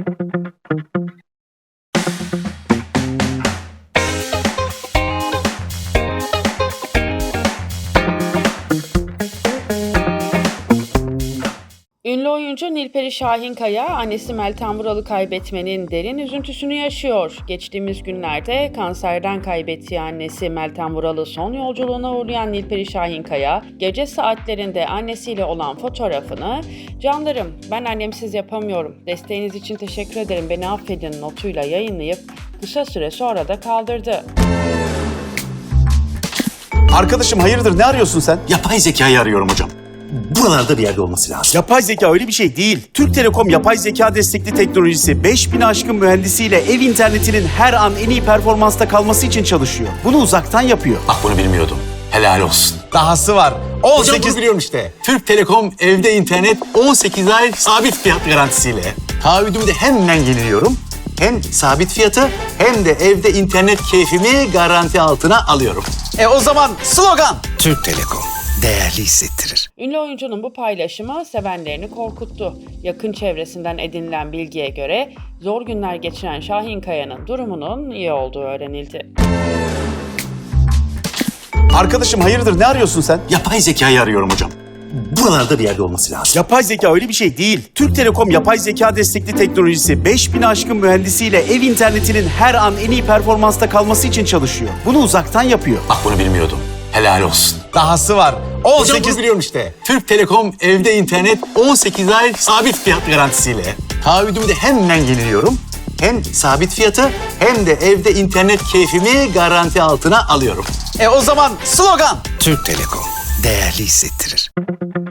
Ünlü oyuncu Nilperi Şahinkaya, annesi Meltem Vural'ı kaybetmenin derin üzüntüsünü yaşıyor. Geçtiğimiz günlerde kanserden kaybettiği annesi Meltem Vural'ı son yolculuğuna uğurlayan Nilperi Şahinkaya, gece saatlerinde annesiyle olan fotoğrafını "Canlarım, ben annemsiz yapamıyorum. Desteğiniz için teşekkür ederim, beni affedin" notuyla yayınlayıp kısa süre sonra da kaldırdı. Arkadaşım hayırdır, ne arıyorsun sen? Yapay zekayı arıyorum hocam. Buralarda bir yerde olması lazım. Yapay zeka öyle bir şey değil. Türk Telekom yapay zeka destekli teknolojisi 5000 aşkın mühendisiyle ev internetinin her an en iyi performansta kalması için çalışıyor. Bunu uzaktan yapıyor. Bak bunu bilmiyordum. Helal olsun. Dahası var. Hocam 18... bunu biliyorum işte. Türk Telekom evde internet 18 ay sabit fiyat garantisiyle. Taahhüdümü de hemen yeniliyorum. Hem sabit fiyatı hem de evde internet keyfimi garanti altına alıyorum. O zaman slogan. Türk Telekom değerli hissettirir. Ünlü oyuncunun bu paylaşımı sevenlerini korkuttu. Yakın çevresinden edinilen bilgiye göre zor günler geçiren Şahinkaya'nın durumunun iyi olduğu öğrenildi. Arkadaşım hayırdır, ne arıyorsun sen? Yapay zekayı arıyorum hocam. Buralarda bir yerde olması lazım. Yapay zeka öyle bir şey değil. Türk Telekom yapay zeka destekli teknolojisi 5000 aşkın mühendisiyle ev internetinin her an en iyi performansta kalması için çalışıyor. Bunu uzaktan yapıyor. Bak bunu bilmiyordum. Helal olsun. Dahası var. Hocam 18... bunu biliyorum işte. Türk Telekom evde internet 18 ay sabit fiyat garantisiyle. Taahhüdümü de hemen yeniliyorum. Hem sabit fiyatı hem de evde internet keyfimi garanti altına alıyorum. O zaman slogan. Türk Telekom değerli hissettirir.